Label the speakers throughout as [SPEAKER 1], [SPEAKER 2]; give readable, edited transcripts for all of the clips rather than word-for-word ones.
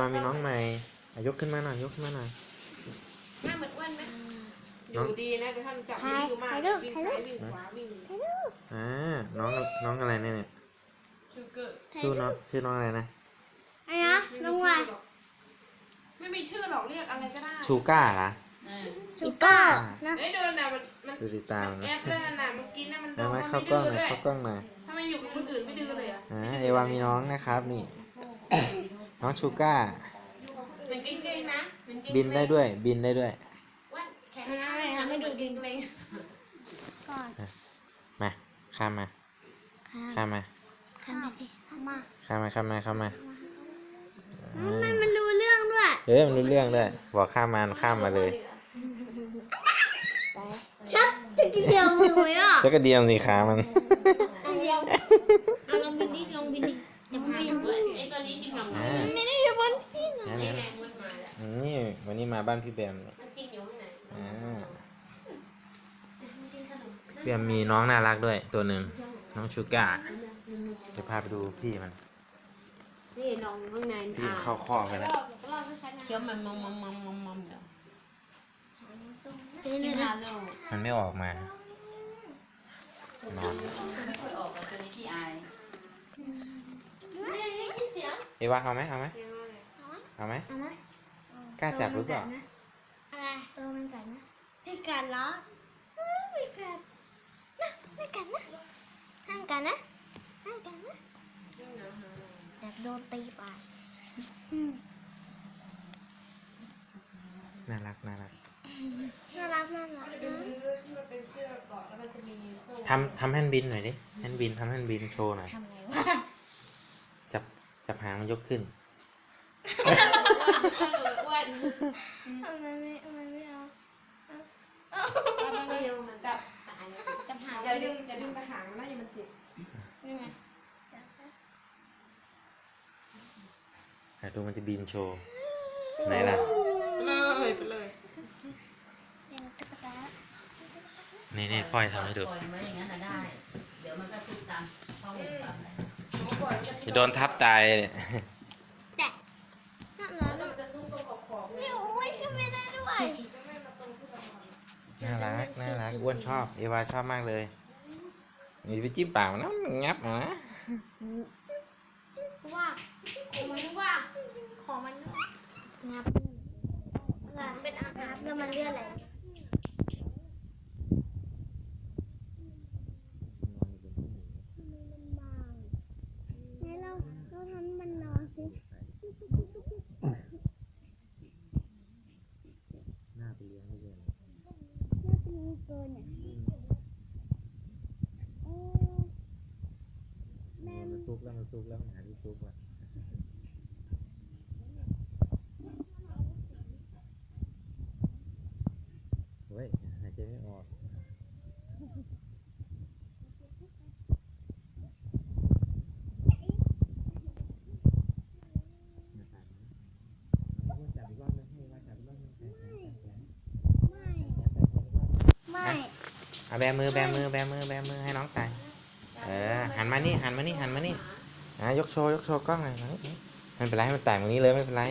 [SPEAKER 1] ามีน้องใหม่ยกขึ้นมาหน่อยยกขึ้นมาหน่อย
[SPEAKER 2] หน้าเหมือนอ้วนไหมอยู่ดีนะแต่ท่านจับไม่ดื้อมากวิ่งซ้ายวิ่งขวาวิ่ง
[SPEAKER 1] น้องอะไรเนี่ยชื่อน้องอะไรนะ
[SPEAKER 3] อะไรนะน้องว่า
[SPEAKER 2] ไม่มีชื่อหรอกเรียกอะไรก็ได้
[SPEAKER 1] ชูก้าเหรอ
[SPEAKER 3] ชูก้านะ
[SPEAKER 2] เดินน่ะมัน
[SPEAKER 1] ดูติดตามนะ
[SPEAKER 2] แอปเดินน่ะมันกินน่ะมัน
[SPEAKER 1] ไม่เข้ากล้องหน่อยเข้ากล้องหน่อย
[SPEAKER 2] ถ้าไม่อยู่กับคนอื่นไม่ดื้อเลยอ่ะ
[SPEAKER 1] เอวามีน้องนะครับนี่น้องชูก้า
[SPEAKER 2] เป็นเก่งๆนะ
[SPEAKER 1] บินได้ด้วย
[SPEAKER 2] วันแข็งไม่ดูเก่งเลย
[SPEAKER 3] ก่อน
[SPEAKER 1] มาข้ามมา
[SPEAKER 3] สิเข้ามามันรู้เรื่องด้วย
[SPEAKER 1] มันรู้เรื่องด้วยบอกข้ามมาเลย
[SPEAKER 3] ชักจะกระเดียวมือไหมอ่ะ
[SPEAKER 1] จะกระเดียมสิขามัน
[SPEAKER 3] ลองบินดิจะบิน
[SPEAKER 2] ไอ้ตัวนี้จริงหรอ
[SPEAKER 3] ไม่ได้อยู่บนที่ไหน
[SPEAKER 1] นี่วันนี้มาบ้านพี่แบม
[SPEAKER 2] จริงอยู่ข้างไหน
[SPEAKER 1] พี่แบมมีน้องน่ารักด้วยตัวหนึ่งน้องชูก้าเดี๋ยวพาไปดูพี่มัน
[SPEAKER 2] นี่น้องข้างใน
[SPEAKER 1] พี่เข้าข้อไปแล้ว
[SPEAKER 2] เคี้ยวมันเดี๋ยว
[SPEAKER 1] มันไม่ออกมานอนเอวาเอาไหมกล้าจับหรือเปล่า
[SPEAKER 3] อะไรตัวมันกัดนะไม่กัดเหรอไม่กัดนะห้ามกัดนะแต่โดนตีไป
[SPEAKER 1] น่ารัก
[SPEAKER 3] ไปซื้อ
[SPEAKER 2] ที่มันเป็นเสื้อเกาะแล้วมันจะมีโซ่
[SPEAKER 1] ทำแฮนด์บินหน่อยดิแฮนด์บินโชว์หน่อย
[SPEAKER 3] ทำไงวะ
[SPEAKER 1] จับหางมันยกขึ้น
[SPEAKER 2] อ้วน
[SPEAKER 3] ทำไมไม่เอา
[SPEAKER 2] จับหางอย่าดึงไปหางนะอย่ามันเจ็บ
[SPEAKER 3] นี่ไง
[SPEAKER 1] ดูมันจะบินโชว์ไหนล่ะ
[SPEAKER 2] ไปเลย
[SPEAKER 1] นี่พ่อยทำให้ดู
[SPEAKER 4] เดี๋ยวมันก็ซุกตามห้อง
[SPEAKER 1] จะโดนทับตายเนี่ย
[SPEAKER 3] แต่นี่โอ้ยขึ้นไม่ได้ด้วย
[SPEAKER 1] น่ารักอ้วนชอบเอวาชอบมากเลยนี่ไปจิ้มปากมันนะมันงับนะ
[SPEAKER 3] ว่าของมันงับเป็นอาหารแล้วมันเลือดไหลเราทำมันนอนสิ
[SPEAKER 1] น่าไปเลี้ยงไม่เยอะ
[SPEAKER 3] น่าเป็นเกินเนี่ยแม่
[SPEAKER 1] มันซุกแล้วหาที่ซุกว่ะเฮ้ยหายใจไม่ออกแบมือให้น้องตายหันมานี่ยกโชว์กล้องหน่อยไม่เป็นไรให้มันแตกตรงนี้เลยไม่เป็นไร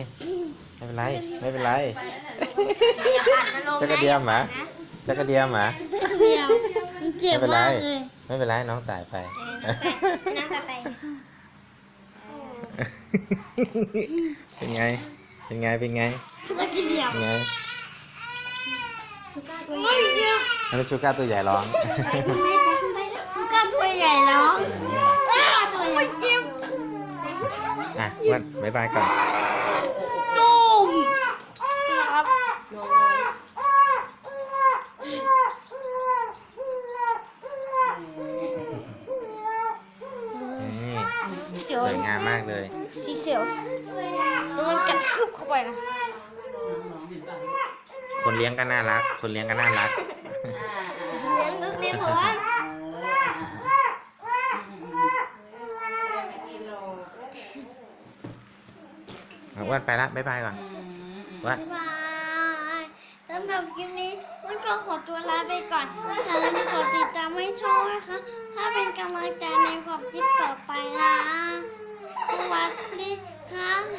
[SPEAKER 1] จะกระเดียมหมาไม่เป็นไรน้องตายไปเป็นไงอันนี้ชูก้าตัวใหญ่ร้อง
[SPEAKER 3] ชูก้าตัวใหญ่ร้องตัวเจ็บ
[SPEAKER 1] วันบ๊ายบายก่อน
[SPEAKER 3] ตูมนะครับ
[SPEAKER 1] สวยงามมากเลย
[SPEAKER 3] สีเสียวแล้วมันกัดคืบเข้าไปนะ
[SPEAKER 1] คนเลี้ยงก็น่ารัก
[SPEAKER 3] เลี้ยงเพราะว่า
[SPEAKER 1] อ้วนไปละบ๊ายบายก่อนอ้วน
[SPEAKER 3] บ๊ายบายสำหรับคลิปนี้มันก็ขอตัวลาไปก่อนอย่าลืมกดติดตามให้ช่องนะคะถ้าเป็นกำลังใจในความคิดต่อไปนะสวัสดีค่ะ